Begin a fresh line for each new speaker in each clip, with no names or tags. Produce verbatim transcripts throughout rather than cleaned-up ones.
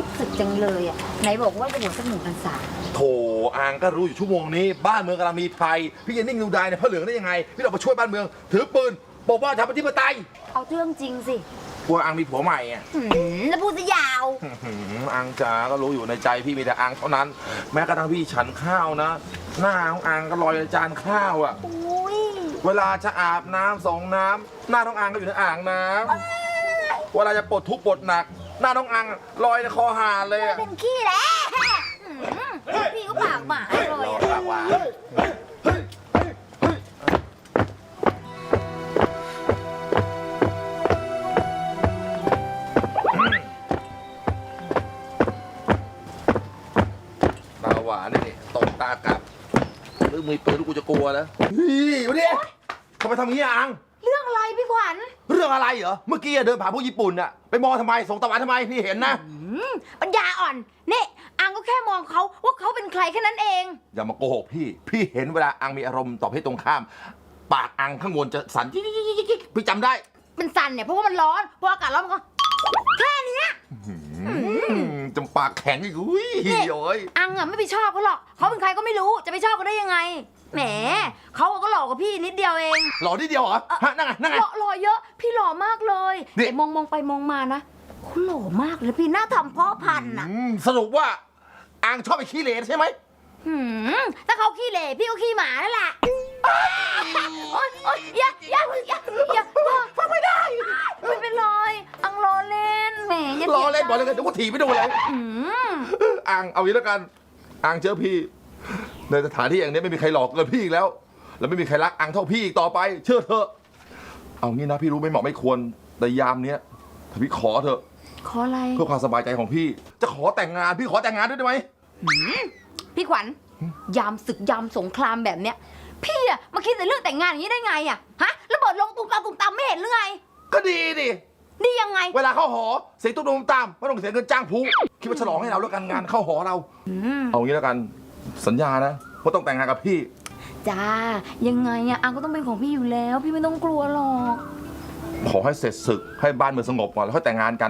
สึกจังเลยอ่ะไหนบอกว่าจะบวชสักหนึ่งพรรษา
โถอังก็รู้อยู่ชั่วโมงนี้บ้านเมืองกำลังมีภัยพี่จะนิ่งดูดายในพระเหลืองได้ยังไงพี่เรามาช่วยบ้านเมืองถือปืนปกป้องชาวประชาธิปไตย
เอาเรื่องจริงสิ
กลัวอังมีผัวใหม่อ่ะ
แล้วพูดซะยาว
อังจ๋าก็รู้อยู่ในใจพี่มีแต่อังเท่านั้นแม้กระทั่งพี่ฉันข้าวนะหน้าของอังก็ลอยในจานข้าวอ่ะเวลาจะอาบน้ำสองน้ำหน้าน้องอังก็อยู่ในอ่างน้ำเวลาจะปลดทุกข์ปลดหนักหน้าน้องอังลอยในคอหาเลยอ่ะ
เป็นขี้แหละพี่ก็ปากหมาเลย
ปากหวานหวานนี่ตกตากลับหรือมีปืนลูกกูจะกลัวแล้วเฮ้ยวันนี้ทำไมทำอย่างนี้อัง
เรื่องอะไรพี่ขวัญ
เรื่องอะไรเหรอเมื่อกี้เดินผ่านพวกญี่ปุ่นอะไปมองทำไมส่งตะวันทำไมพี่เห็นนะ
ปัญญาอ่อนนี่อังก็แค่มองเขาว่าเขาเป็นใครแค่นั้นเอง
อย่ามาโกหกพี่พี่เห็นเวลาอังมีอารมณ์ต่อเพศตรงข้ามปากอังข้างบนจะสั่นจิ๊กๆๆพี่จำได้
เป็นสั่นเนี่ยเพราะว่ามันร้อนเพราะอากาศร้อนมันก็แค่นี้
จำปากแข็งอีกอุ้ยโอ้ย
อังอ่ะไม่ไปชอบเขาหรอกเขาเป็นใครก็ไม่รู้จะไปชอบเขาได้ยังไงแหมเขาก็หล่อกว่าพี่นิดเดียวเอง
หล่อนิดเดียวเหรอฮะนั่งไงนั่งไง
หล่อหล่อเยอะพี่หล่อมากเลยแต่มองมองไปมองมานะเขาหล่อมากเลยพี่หน้าทำเพาะพันธุ์อ่ะ
สรุปว่าอังชอบไปขี้เหร่ใช่ไหม
ถ้าเขาขี้เหร่พี่ก็ขี้หมานั่นแหละโอ๊ยโอ๊ยอย่าอย่าอย่าอย่าฟังไม่ได้ไม่เป็นไรอังรอเล่นแหมอย่าร
อเล่นบอกเลยเดี๋ยวกูถีบไปดูเลยอังเอางี้แล้วกันอังเจอพี่ในสถานที่อย่างนี้ไม่มีใครหลอกเกินพี่อีกแล้วแล้วไม่มีใครรักอังเท่าพี่อีกต่อไปเชื่อเถอะเอางี้นะพี่รู้ไม่เหมาะไม่ควรแต่ยามเนี้ยถ้าพี่ขอเถอะ
ขออะไร
เพื่อความสบายใจของพี่จะขอแต่งงานพี่ขอแต่งงานด้วยได้ไหม
พี่ขวัญยามศึกยามสงครามแบบเนี้ยพี่อะมาคิดแต่เรื่องแต่งงานอย่างนี้ได้ไงอะฮะระเบิดลงตุ้มตามตุ้มตามไม่เห็นหรือไง
ก็ดีดิ
ดียังไง
เวลาเข้าหอเสียงตุ้มตุ้มตามไม่ต้องเสียเงินจ้างผู้คิดว่าฉลองให้เราแล้วกันงานเข้าหอเราเอางี้แล้วกันสัญญานะว่าต้องแต่งงานกับพี่
จ้ายังไงอะอังก็ต้องเป็นของพี่อยู่แล้วพี่ไม่ต้องกลัวหรอก
ขอให้เสร็จศึกให้บ้านเมืองสงบก่อนแล้วค่อยแต่งงานกัน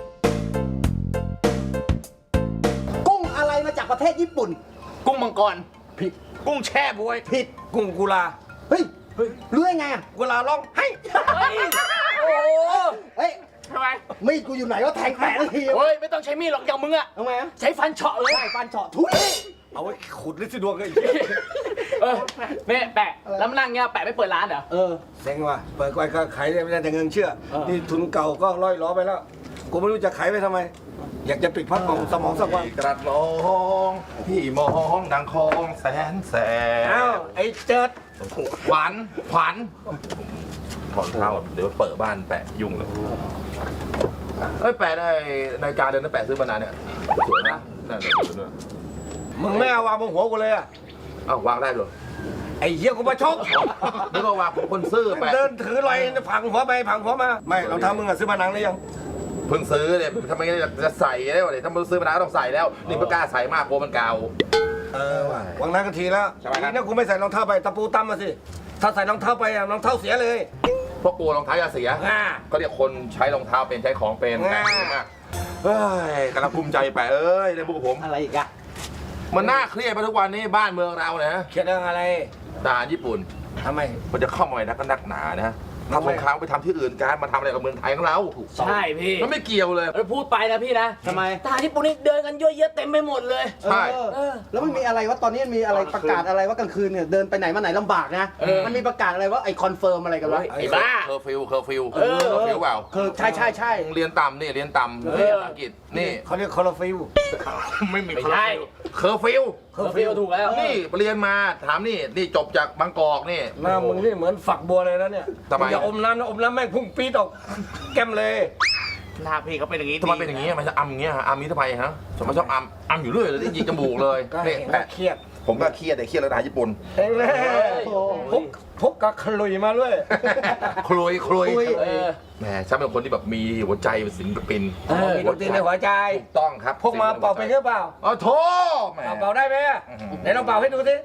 กุ้งอะไรมาจากประเทศญี่ปุ่น
กุ้งมังกร
ผิด
กุ้งแช่บวย
ผิด
กุ้งกุลา
เฮ้ยรู้ได้ไงอ่ะ
กุลาร้องให้โอ้
เฮ้ย
ทำไม
มีดกูอยู่ไหนก็แทงแปะทันที
เฮ้ยไม่ต้องใช้มีดหรอกอย่างมึงอะ
ทำไมอ่ะ
ใช้ฟันเฉาะเลย
ใช่ฟันเฉาะทุย
เอาไว้ขุดลิซิดวงกันอีกเออเนี่ยแปะแล้วมานั่งเงี้ยแปะไม่เปิดร้านเหรอ
เออ
เซ็งว่ะเปิดไว้ก็ขายไม่ได้แต่เงินเชื่อนี่ทุนเก่าก็ร้อยล้อไปแล้วกูไม่รู้จะขายไปทำไมอยากจะปิดพักของสมองสักวัน
กระดองพี่มองดังคองแสนแสบ
อ้าวไอ้เจิด
ขวัญขวัญถอนเท้าเดี๋ยวเปิดบ้านแปะยุ่งเลยเอ้ยแปะได้ในการเดินนั่นแปะซื้อมานานเนี่ยสวยนะนั่นเลย
มึงไม่เอาวางบนหัวกูเลยอ่ะ
อ้าววางได้เลย
ไอ้เหี้ยกูมาชก
นึกว่าวางผมคนซื้อแปะ
เดินถือลอยผังหัวไปผังหัวมาไม่เราทำมึงอะซื้อมานังหรือยัง
เพิ่งซื้อเนี่ยทำไมจะใส่ได้วะเนี่ยถ้ามึงซื้อมานานก็ต้องใส่แล้วนี่เพิ่งกล้าใส่มากกลัวมันเก่า
เออวางนั้นกันทีแล้วทีนี้กูไม่ใส่รองเท้าไปตะปูตั้มมาสิถ้าใส่รองเท้าไปอะรองเท้าเสียเลย
เพราะกลัวรองเท้าจะเสียก็เรียกคนใช้รองเท้าเป็นใช้ของเป็นแปะมากเฮ้ยกำลังภูมิใจแปะเอ้ยในพวกผม
อะไรอีกอะ
มันน่าเครียดไปทุกวันนี้บ้านเมืองเราเนี่ย
เครียดเรื่องอะไร
ทหารญี่ปุ่น
ทำไม
มันจะเข้ามาในนักนักหนานะทำสงครามไปทำที่อื่นการมาทำอะไรกับเมืองไทยของเรา
ใช่พี่
มันไม่เกี่ยวเลย
พูดไปนะพี่นะ
ทำไม
ทหารญี่ปุ่นนี่เดินกันเยอะแยะเต็มไปหมดเลย
ใช่
แล้วมันมีอะไรว่าตอนนี้มีอะไรประกาศอะไรว่ากลางคืนเนี่ยเดินไปไหนมาไหนลำบากนะมันมีประกาศอะไรว่าไอคอนเฟิร์มอะไรกันวะ
ไอ้บ้า
เคอร์ฟิวเคอร์ฟิวเคอร์ฟิวเปล่า
คือใช่ใช่ใช่
เรียนต่ำนี่เรียนต่ำเรียนอังกฤษนี่
เขาเรียกคอร์ฟิว
ไม่มีใช่เคอร์ฟิว
เคอร์ฟิวถูกแล้ว
นี่เรียนมาถามนี่นี่จบจากบางกอกนี่
หน้ามึงนี่เหมือนฝักบัวเลยนะเนี่ยอย่าอมน้ำนะอมน้ำแม่งพุ่งปี๊ดออกแก้มเลย
หน้าพี่เขาเป็นอย่างนี้
ทำไมเป็นอย่างนี้มันจะอัมอย่างเงี้ยอัมนี้ทำไมฮะสมมติชอบอัมอัมอยู่เรื่อยเลยยิงจมูกเลย
นี่แปะเครียด
ผมก็เครียดแต่เครียดแล้วทหารญี่ปุ่น
เองเลยพกพกกระคลุยมาด้วย
คลุยคลุยแหมฉันเป็นคนที่แบบมีหัวใจเป็นศิลปิน
มีดนตรีในหัวใจ
ถูกต้องครับ
พกมาเป่าไปหรือเปล่า
อ๋อโถ
เป่าได้ไหมไหนลองเป่าให้ดูสิ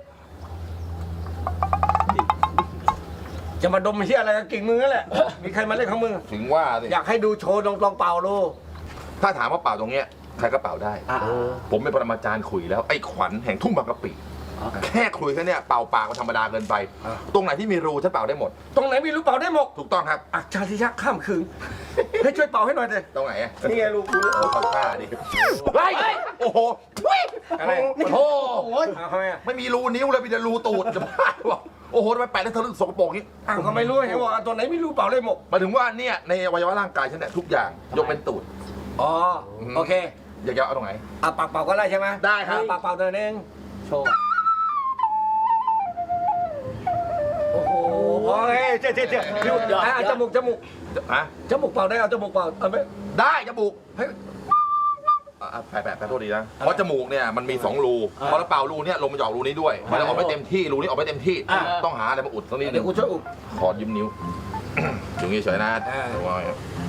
จะมาดมเชี่ยอะไรกับกิ่งมือนั่นแหละมีใครมาเล่นของมึง
ถึงว่าสิ
อยากให้ดูโชว์ลองลองเป่าดู
ถ้าถามว่าเป่าตรงเนี้ยใครก็เป่าได้
อ่า
ผมเป็นปรมาจารย์ขลุยแล้วไอ้ขวัญแห่งทุ่งบางกะปิแค่ขลุยแค่เนี้ยเป่าปากมันธรรมดาเกินไป ตรงไหนที่มีรูฉันเป่าได้หมด
ตรงไหนมีรูเป่าได้หมด
ถูกต้องครับ
อักชาติยักษ์ข้ามคืนให้ช่วยเป่าให้หน่อยเลย
ตรงไหนอะ
นี่ไงรูกู
โอ้ขอท่าดิเฮ้ยโอ้โหทุย
อะไร
โอ้โห
เอาทำไมอ่ะ
ไม่มีรูนิ้วเลยมีแต่รูตูดจะบ้าหรอโอ้โหทำไมแปะได้ทะลึ่งสกปรกนี้
อ้าวก็ไม่รู้เห็นบอกว่าตัวไหนมีรูเป่าได้หมด
หมายถึงว่าเนี่ยในอวัยวะร่างกายฉันเนี่ยทุกอย่างยกเป็นตูด
อ๋อโอเค
อยากจะเอาตรงไหน
อ่ะปากเป่าก็ได้ใช่ไหม
ได้ครับ
ปากเป่าตัวนึง
โชว์
โอ้โหโอ้ยเจ๊เจ๊เจ๊อ่ะจมูกจมูก
ฮะ
จมูกเป่าได้เอาจมูกเป่าเอาไหม
ได้จมูก
เฮ้ย
อ่ะแปะแปะแปะโทษดีนะเพราะจมูกเนี่ยมันมีสองรูพอเราเป่ารูเนี่ยลมมันจะออกรูนี้ด้วยมันจะออกไม่เต็มที่รูนี้ออกไม่เต็มที่ต้องหาอะไรมาอุดตรงนี้ห
เดี๋
นึ่
ยว
ง
กูช่วยอุบ
ขอยืมนิ้ว อยู่งี้เฉยนะ
อ่า
ระวัง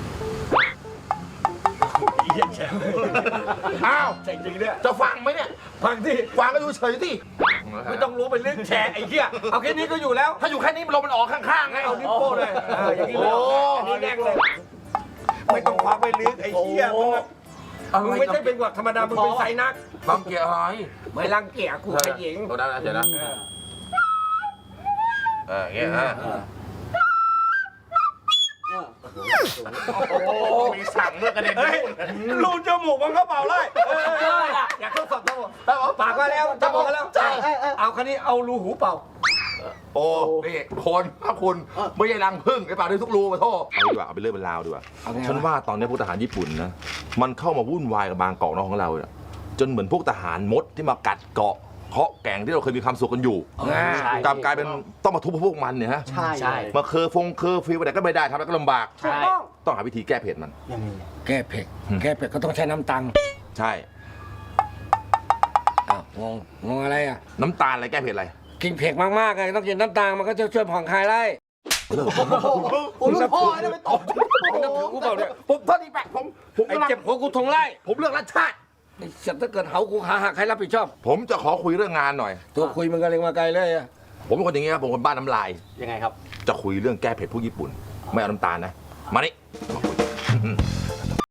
เยี่ยมแฉ
อ้าว
จริงๆเนี่ย
จะฟังไหมเนี่ย
ฟังที่
ฟังก็อยู่เฉยที่
ไม่ต้องรู้ไปเรื่องแฉไอ้เหี้ยเอาแค่นี้ก็อยู่แล้ว
ถ้าอยู่แค่นี้ลมมันออกข้างๆไง
เอานิ้วโป้งเลยเอออย่างนี้เลย
โอ้
อันนี้แน่งเลยไม่ต้องคว้าไปลึกไอ้เหี้ยมึงอะมึงไม่ใช่เป็นหวัดธรรมดามึงเป็นไซนัก
บางเกียร์หาย
ไม่รังเกียจกูขยิง
ตัวนั้นนะเดี๋ยวนะเอออย่างเงี้ยฮะโอ้มีสั่งเมื่อกระเด็น
เฮ้ยรูจมูกมันก็เป่าได้เอออยากทดสอบจมูกปากก็แล้วจมูกก็แล้วเอาคันนี้เอารูหูเป่า
โอ้นี่คนถ้าคุณไม่ใช่รังผึ้งไอ้ป่าด้วยทุกรูมาโทษเอาดีกว่าเอาไปเรื่องเป็นราวดีกว่าฉันว่าตอนนี้พวกทหารญี่ปุ่นนะมันเข้ามาวุ่นวายกับบางเกาะน้องของเราเนี่ยจนเหมือนพวกทหารมดที่มากัดเกาะเคาะแก่งที่เราเคยมีความสุขกันอยู่
ใช่
กลับกลายเป็นต้องมาทุบพวกมันเนี่ยฮะ
ใช่
ใช่
มาเคอร์ฟงเคอร์ฟิวอะไรก็ไม่ได้ทำแล้วก็ลำบาก
ใช่
ต้องหาวิธีแก้เผ็ดมัน
ยังไง
แก้เผ็ดแก้เผ็ดก็ต้องใช้น้ำตัง
ใช่
อ้าวงงงงอะไรอ่ะ
น้ำตาลอะไรแก้เผ็ดอะไร
กินเผ็ดมากๆไงต้องกินน้ำตาลมันก็จะช่วยผ่อนคลายได้
โอ้ลูกพ่อเนี่ยไปตบ
นับถือกูเปล่าเนี่ย
ผมโทษทีแปะผมผม
ไอ้
กำลัง
เจ็บหัวกูทงไล่
ผมเลือกรัชชาติ
ไอ้สัตว์ถ้าเกิดเหากูขาหักใครรับผิดชอบ
ผมจะขอคุยเรื่องงานหน่อย
ตัวคุยมันก็เล็งมาไกลเลยอะ
ผมเป็นคนอย่างงี้ครับผมคนบ้านน้ำลาย
ยังไงครับ
จะคุยเรื่องแก้เผ็ดพวกญี่ปุ่น ไม่เอาน้ำตาลนะ มานี่มาคุย